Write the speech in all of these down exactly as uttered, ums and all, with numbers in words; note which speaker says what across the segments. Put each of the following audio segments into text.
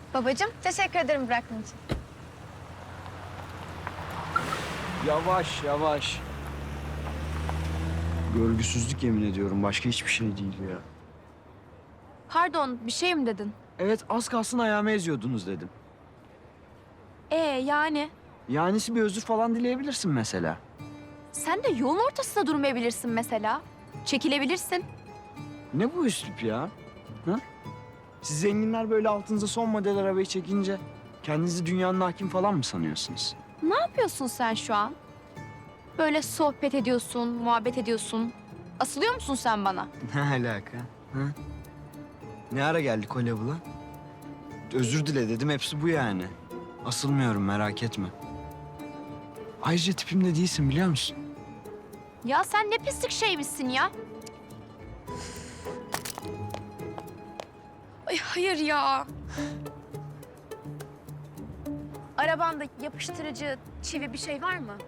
Speaker 1: Babacığım, teşekkür ederim bıraktığın için.
Speaker 2: Yavaş yavaş. Görgüsüzlük yemin ediyorum. Başka hiçbir şey değil ya.
Speaker 3: Pardon, bir şey mi dedin?
Speaker 2: Evet az kalsın ayağımı eziyordunuz dedim.
Speaker 3: Ee yani?
Speaker 2: Yanisi bir özür falan dileyebilirsin mesela.
Speaker 3: Sen de yolun ortasında durmayabilirsin mesela. Çekilebilirsin.
Speaker 2: Ne bu üslup ya? Ha? Siz zenginler böyle altınıza son model arabayı çekince kendinizi dünyanın hakim falan mı sanıyorsunuz?
Speaker 3: Ne yapıyorsun sen şu an? Böyle sohbet ediyorsun, muhabbet ediyorsun. Asılıyor musun sen bana?
Speaker 2: Ne alaka? Ha? Ne ara geldik o level'a? Özür dile dedim, hepsi bu yani. Asılmıyorum, merak etme. Ayrıca tipimde değilsin biliyor musun?
Speaker 3: Ya sen ne pislik şeymişsin ya. Ay hayır ya. Arabanda yapıştırıcı, çivi bir şey var mı?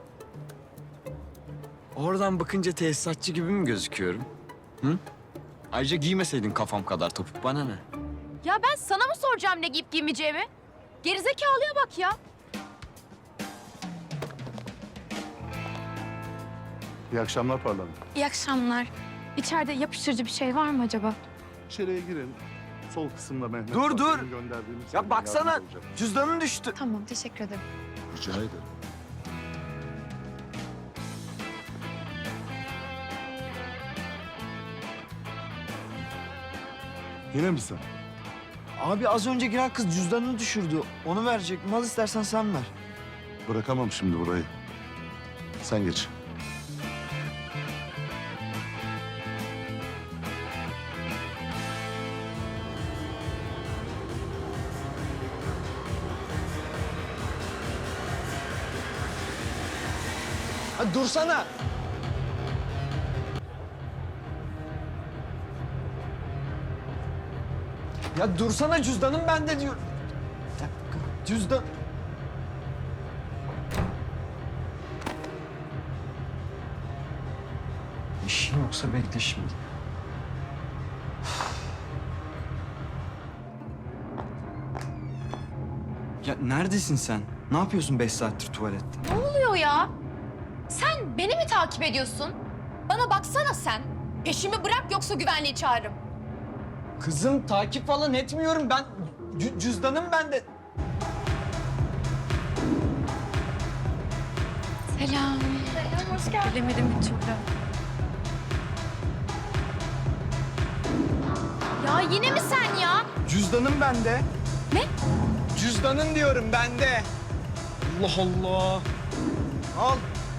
Speaker 2: Oradan bakınca tesisatçı gibi mi gözüküyorum? Hı? Ayrıca giymeseydin kafam kadar topuk, bana ne?
Speaker 3: Ya ben sana mı soracağım ne giyip giymeyeceğimi? Gerizekalıya bak ya.
Speaker 4: İyi akşamlar Parlament.
Speaker 1: İyi akşamlar. İçeride yapıştırıcı bir şey var mı acaba?
Speaker 4: İçeriye girin. Sol kısımda Mehmet.
Speaker 2: Dur,
Speaker 4: var,
Speaker 2: dur.
Speaker 4: benim gönderdiğimiz
Speaker 2: Ya
Speaker 4: gibi
Speaker 2: baksana,
Speaker 4: yardımcı olacak.
Speaker 2: cüzdanın düştü.
Speaker 1: Tamam, teşekkür ederim.
Speaker 4: Rica ederim. Yine mi sen?
Speaker 2: Abi az önce giren kız cüzdanını düşürdü. Onu verecek. Mal istersen sen ver.
Speaker 4: Bırakamam şimdi burayı. Sen geç.
Speaker 2: Hadi dursana. Ya dursana, cüzdanım bende diyor. Bir dakika, cüzdan. İşin yoksa bekle şimdi. Ya neredesin sen? Ne yapıyorsun beş saattir tuvalette?
Speaker 3: Ne oluyor ya? Sen beni mi takip ediyorsun? Bana baksana sen. Peşimi bırak yoksa güvenliği çağırırım.
Speaker 2: Kızım takip falan etmiyorum ben. Cü- cüzdanım bende.
Speaker 1: Selam. Selam, hoş geldin. Bilemedim bir türlü.
Speaker 3: Ya yine mi sen ya?
Speaker 2: Cüzdanım bende.
Speaker 3: Ne?
Speaker 2: Cüzdanın diyorum bende. Allah Allah. Al.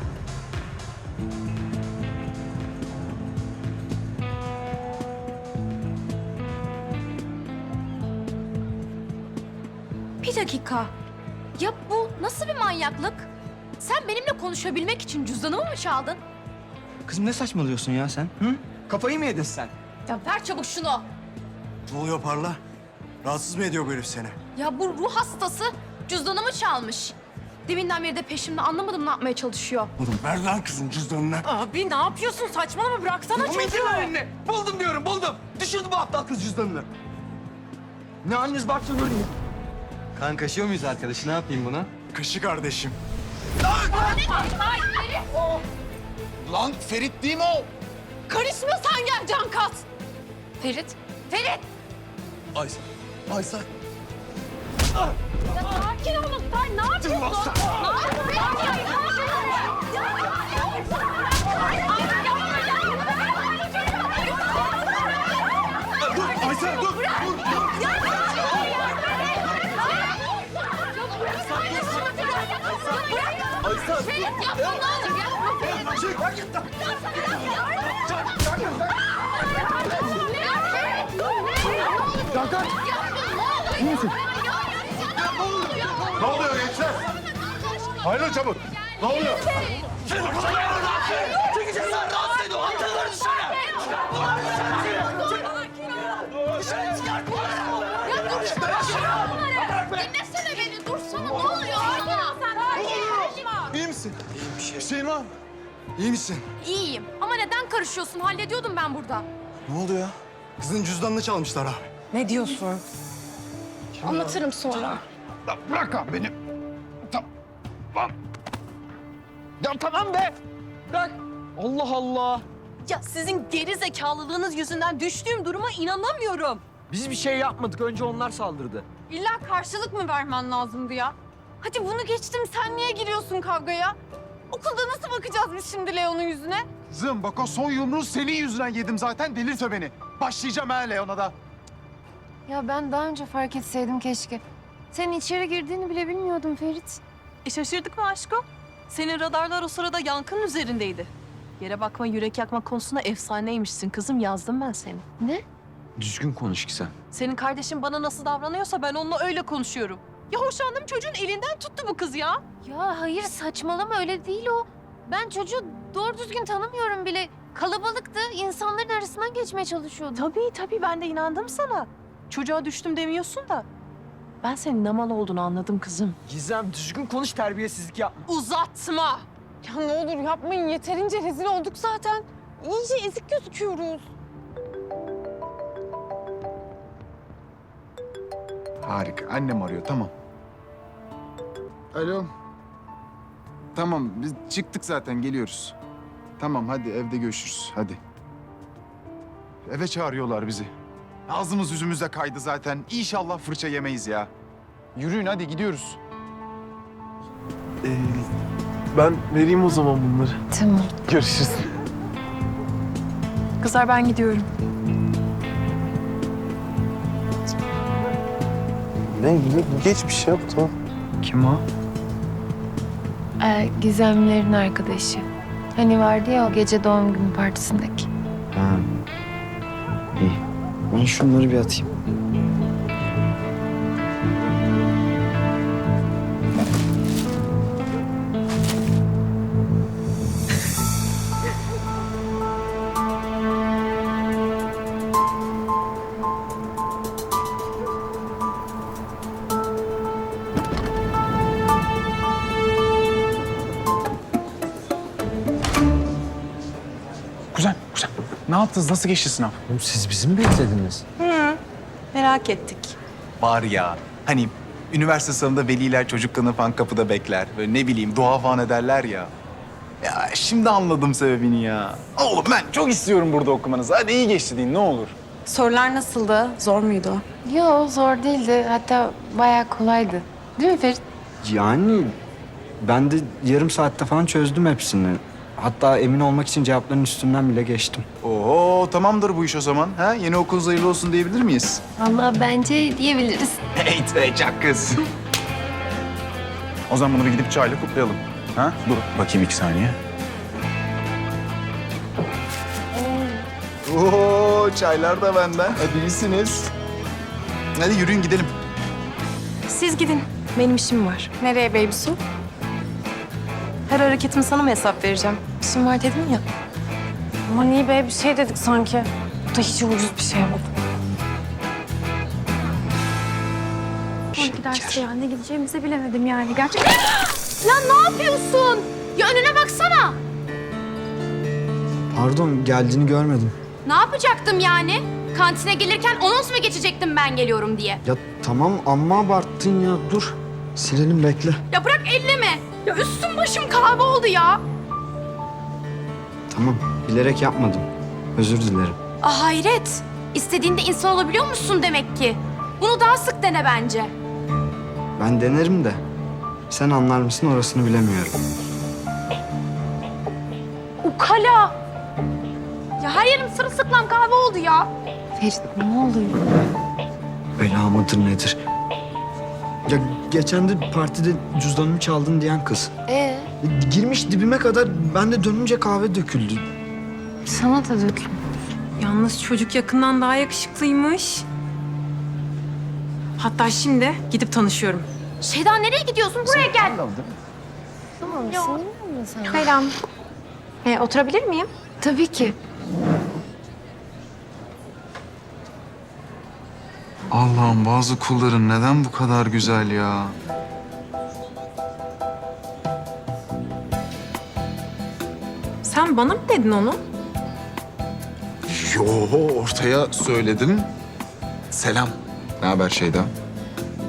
Speaker 3: Bir dakika. Ya bu nasıl bir manyaklık? Sen benimle konuşabilmek için cüzdanımı mı çaldın?
Speaker 2: Kızım ne saçmalıyorsun ya sen? Hı? Kafayı mı yedin sen?
Speaker 3: Ya ver çabuk şunu.
Speaker 5: Ne oluyor Parla? Rahatsız mı ediyor bu herif seni?
Speaker 3: Ya bu ruh hastası cüzdanımı çalmış. Deminden beri de peşimde, anlamadım ne yapmaya çalışıyor.
Speaker 5: Oğlum ver lan kızın cüzdanını.
Speaker 3: Abi ne yapıyorsun? Saçmalama, bıraksana
Speaker 2: Eline. Buldum diyorum, buldum. Düşürdü bu aptal kız cüzdanını. Ne haliniz varsa görün. Kan kaşıyor muyuz arkadaşı? Ne yapayım buna?
Speaker 5: Kaşı kardeşim.
Speaker 2: Lan Ferit değil mi o?
Speaker 3: Karışma sen, gel can kat. Ferit, Ferit.
Speaker 5: Aysel. Aysel.
Speaker 3: Ya sakin olun, sen ne yapıyorsun? Ne yapıyorsun? Ne yapıyorsun?
Speaker 5: Dur Aysel dur. Dur. Aysel.
Speaker 3: Ferit yapma, ne olur yapma.
Speaker 5: Çık.
Speaker 4: Hakan! İyi misin? Ne oluyor gençler? Hayırlı çabuk. Ne oluyor?
Speaker 3: Dinlesene beni, dursana, ne oluyor?
Speaker 5: İyi misin? Bir şeyin var mı? İyi misin?
Speaker 3: İyiyim ama neden karışıyorsun? Hallediyordum ben burada.
Speaker 5: Ne oldu ya? Kızın cüzdanını çalmışlar abi.
Speaker 6: Ne diyorsun?
Speaker 3: Anlatırım sonra.
Speaker 4: Ya bırak abi beni. Tamam. Ya tamam be.
Speaker 2: Bırak. Allah Allah.
Speaker 6: Ya sizin geri zekalılığınız yüzünden düştüğüm duruma inanamıyorum.
Speaker 2: Biz bir şey yapmadık. Önce onlar saldırdı.
Speaker 1: İlla karşılık mı vermen lazımdı ya? Hadi bunu geçtim, sen niye giriyorsun kavgaya? Okulda nasıl bakacağız biz şimdi Leon'un yüzüne?
Speaker 4: Kızım bak o son yumruğu senin yüzünden yedim zaten. Delirtme beni. Başlayacağım ha Leon'a da.
Speaker 7: Ya ben daha önce fark etseydim keşke. Senin içeri girdiğini bile bilmiyordum Ferit.
Speaker 6: E şaşırdık mı aşkım? Senin radarlar o sırada Yankı'nın üzerindeydi. Yere bakma, yürek yakma konusunda efsaneymişsin kızım. Yazdım ben seni.
Speaker 7: Ne?
Speaker 2: Düzgün konuş ki sen.
Speaker 6: Senin kardeşin bana nasıl davranıyorsa ben onunla öyle konuşuyorum. Ya hoşlandığım çocuğun elinden tuttu bu kız ya.
Speaker 7: Ya hayır saçmalama öyle değil o. Ben çocuğu doğru düzgün tanımıyorum bile. Kalabalıktı, insanların arasından geçmeye çalışıyordu.
Speaker 6: Tabii tabii ben de inandım sana. Çocuğa düştüm demiyorsun da. Ben senin ne mal olduğunu anladım kızım.
Speaker 2: Gizem düzgün konuş, terbiyesizlik yapma.
Speaker 6: Uzatma.
Speaker 1: Ya ne olur yapmayın, yeterince rezil olduk zaten. İyice ezik gözüküyoruz.
Speaker 4: Harika. Annem arıyor. Tamam. Alo. Tamam. Biz çıktık zaten. Geliyoruz. Tamam. Hadi evde görüşürüz. Hadi. Eve çağırıyorlar bizi. Ağzımız yüzümüze kaydı zaten. İnşallah fırça yemeyiz ya. Yürüyün hadi gidiyoruz.
Speaker 8: Ee, ben vereyim o zaman bunları.
Speaker 7: Tamam.
Speaker 8: Görüşürüz.
Speaker 6: Kızlar ben gidiyorum.
Speaker 8: Ne? Geç bir şey yap tamam.
Speaker 2: Kim o?
Speaker 7: Ee, Gizemlerin arkadaşı. Hani vardı ya o gece doğum günü partisindeki.
Speaker 2: Ha. İyi. Ben şunları bir atayım.
Speaker 9: Kuzen, kuzen. Ne yaptınız? Nasıl geçti sınav?
Speaker 2: Oğlum siz bizi mi beklediniz?
Speaker 6: Merak ettik.
Speaker 5: Var ya hani üniversite sınavında veliler çocuklarını falan kapıda bekler. Böyle ne bileyim dua falan ederler ya. Ya şimdi anladım sebebini ya. Oğlum ben çok istiyorum burada okumanızı. Hadi iyi geçti deyin ne olur.
Speaker 1: Sorular nasıldı? Zor muydu?
Speaker 7: Yo zor değildi. Hatta bayağı kolaydı. Değil mi Ferit?
Speaker 2: Yani ben de yarım saatte falan çözdüm hepsini. Hatta emin olmak için cevapların üstünden bile geçtim.
Speaker 5: Oo tamamdır bu iş o zaman. Ha? Yeni okulunuz hayırlı olsun diyebilir miyiz?
Speaker 7: Vallahi bence diyebiliriz.
Speaker 5: Hey be çak kız. O zaman bunu bir gidip çayla kutlayalım. Ha? Dur bakayım iki saniye. Oo çaylar da benden. Hadi iyisiniz. Hadi yürüyün gidelim.
Speaker 6: Siz gidin. Benim işim var.
Speaker 1: Nereye baby su?
Speaker 6: Her hareketimi sana mı hesap vereceğim? İşim var dedim ya.
Speaker 1: Aman iyi be, bir şey dedik sanki. Bu da hiç ucuz bir şey oldu.
Speaker 2: Şeker.
Speaker 1: Derse ya, ne gideceğimizi bilemedim yani gerçekten. Ya ne yapıyorsun? Ya önüne baksana.
Speaker 2: Pardon, geldiğini görmedim.
Speaker 3: Ne yapacaktım yani? Kantine gelirken anons mu geçecektim ben geliyorum diye?
Speaker 2: Ya tamam amma abarttın ya. Dur. Silelim bekle.
Speaker 3: Ya bırak elleme. Ya üstüm başım kahve oldu ya.
Speaker 2: Tamam. Bilerek yapmadım. Özür dilerim.
Speaker 3: Ah hayret. İstediğinde insan olabiliyor musun demek ki? Bunu daha sık dene bence.
Speaker 2: Ben denerim de. Sen anlar mısın orasını bilemiyorum.
Speaker 3: Ukala. Ya her yerim sırılsıklam kahve oldu ya.
Speaker 7: Ferit ne oluyor?
Speaker 2: Bela mıdır nedir? Ya geçen de partide cüzdanımı çaldın diyen kız.
Speaker 7: Ee,
Speaker 2: Girmiş dibime kadar, ben de dönünce kahve döküldü.
Speaker 7: sana da dökül.
Speaker 10: Yalnız çocuk yakından daha yakışıklıymış. Hatta şimdi gidip tanışıyorum.
Speaker 3: Şeyda nereye gidiyorsun? Buraya gel.
Speaker 7: Tamam sinirlenme sen.
Speaker 1: Selam. Ee, oturabilir miyim?
Speaker 7: Tabii ki.
Speaker 5: Allah'ım bazı kulların neden bu kadar güzel ya?
Speaker 10: Sen bana mı dedin onu?
Speaker 5: Yo ortaya söyledim. Selam. Ne haber Şeyda?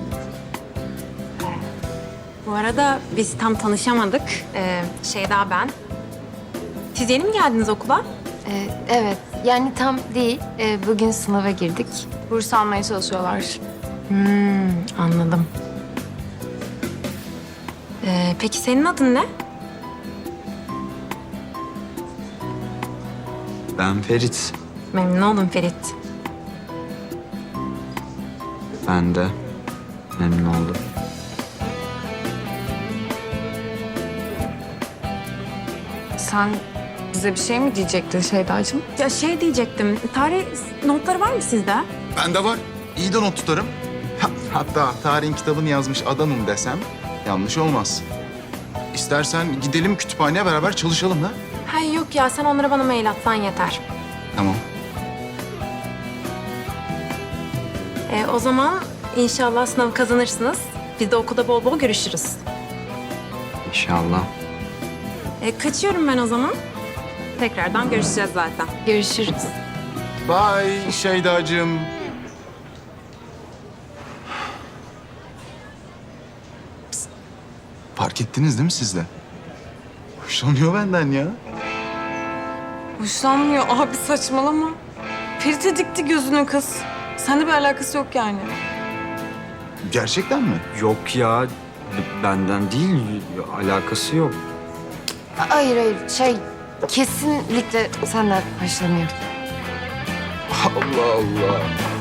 Speaker 10: Bu arada biz tam tanışamadık. Ee, Şeyda ben. Siz yeni mi geldiniz okula?
Speaker 7: Ee, evet, yani tam değil. Ee, bugün sınava girdik. Burs almaya çalışıyorlar.
Speaker 10: Hmm, anladım. Ee, peki senin adın ne?
Speaker 2: Ben Ferit.
Speaker 10: Memnun oldum Ferit.
Speaker 2: Ben de memnun oldum.
Speaker 1: Sen bize bir şey mi diyecektin Şeydacığım?
Speaker 10: Ya şey diyecektim, tarih notları var mı sizde?
Speaker 4: Bende var. İyi de not tutarım. Ha- Hatta tarihin kitabını yazmış adamım desem yanlış olmaz. İstersen gidelim kütüphaneye beraber çalışalım ha?
Speaker 10: Ha yok ya, sen onlara bana mail atsan yeter.
Speaker 4: Tamam.
Speaker 10: Ee, o zaman inşallah sınavı kazanırsınız. Biz de okulda bol bol görüşürüz.
Speaker 2: İnşallah.
Speaker 10: Ee, kaçıyorum ben o zaman. Tekrardan görüşeceğiz zaten.
Speaker 7: Görüşürüz.
Speaker 4: Bye Şeydacığım. Psst. Fark ettiniz değil mi siz de? Hoşlanıyor benden ya.
Speaker 1: Hoşlanmıyor abi, saçmalama. Ferit'e dikti gözünü kız. Seninle bir alakası yok yani.
Speaker 4: Gerçekten mi?
Speaker 2: Yok ya, b- benden değil, alakası yok.
Speaker 7: Hayır hayır, şey kesinlikle senden hoşlanıyor.
Speaker 4: Allah Allah.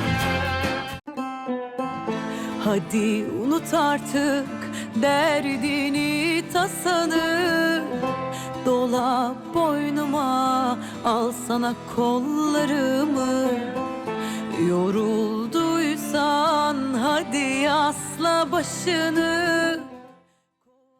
Speaker 11: Hadi unut artık derdini tasanı. Dola boynuma, al sana kollarımı. Yorulduysan hadi yasla başını.